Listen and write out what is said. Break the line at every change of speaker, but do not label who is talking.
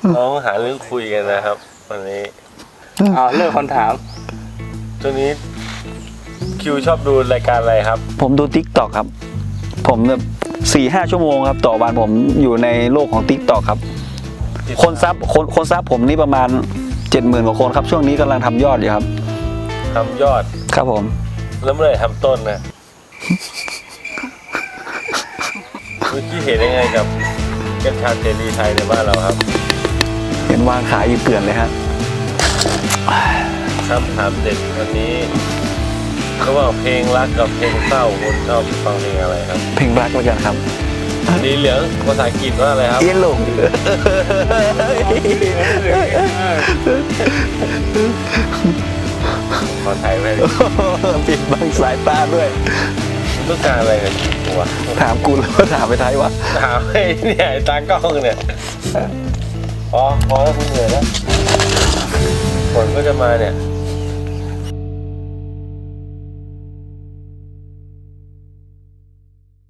น้องหาเรื่องคุยกันนะครับวันนี้
เลิกคำถาม
ช่วงนี้คิวชอบดูรายการอะไรครับ
ผมดู TikTok ครับ ผมแบบ4-5 ชั่วโมงครับต่อวันผมอยู่ในโลกของ TikTok ครับ คนซับผมนี่ประมาณ 70,000 กว่าคนครับช่วงนี้กำลังทำยอดอยู่ครับ
ทำยอด
ครับผม
แล้วเมื่อไหร่ทำต้นนะเมื่อกี้เห็นยังไงกับกัญชาเสรีไทยในบ้านเราครับ
เห็นวางขายอยู่เกลื่อนเลยฮะ
คำถามเด็ดวันนี้ระหว่างเพลงรักกับเพลงเศร้าคุณชอบฟังเพลงอะไรครับ
เพลงรักแล้วกันครับ
สีเหลืองภาษาอังกฤษว่าอะไรครับ
เย็นลง
ขอถ่ายไว้ดิ
ปิดบังสายตาด้วย
มึงต้องการอะไรกับชีวิตกูวะ
ถามกูแล้วว่าถามไปท้ายวะ
ถามให้เนี่ยไอ้ตากล้องเนี่ยพอแล้วคุณเหนื่อยแล้วฝนก็จะมาเนี่ย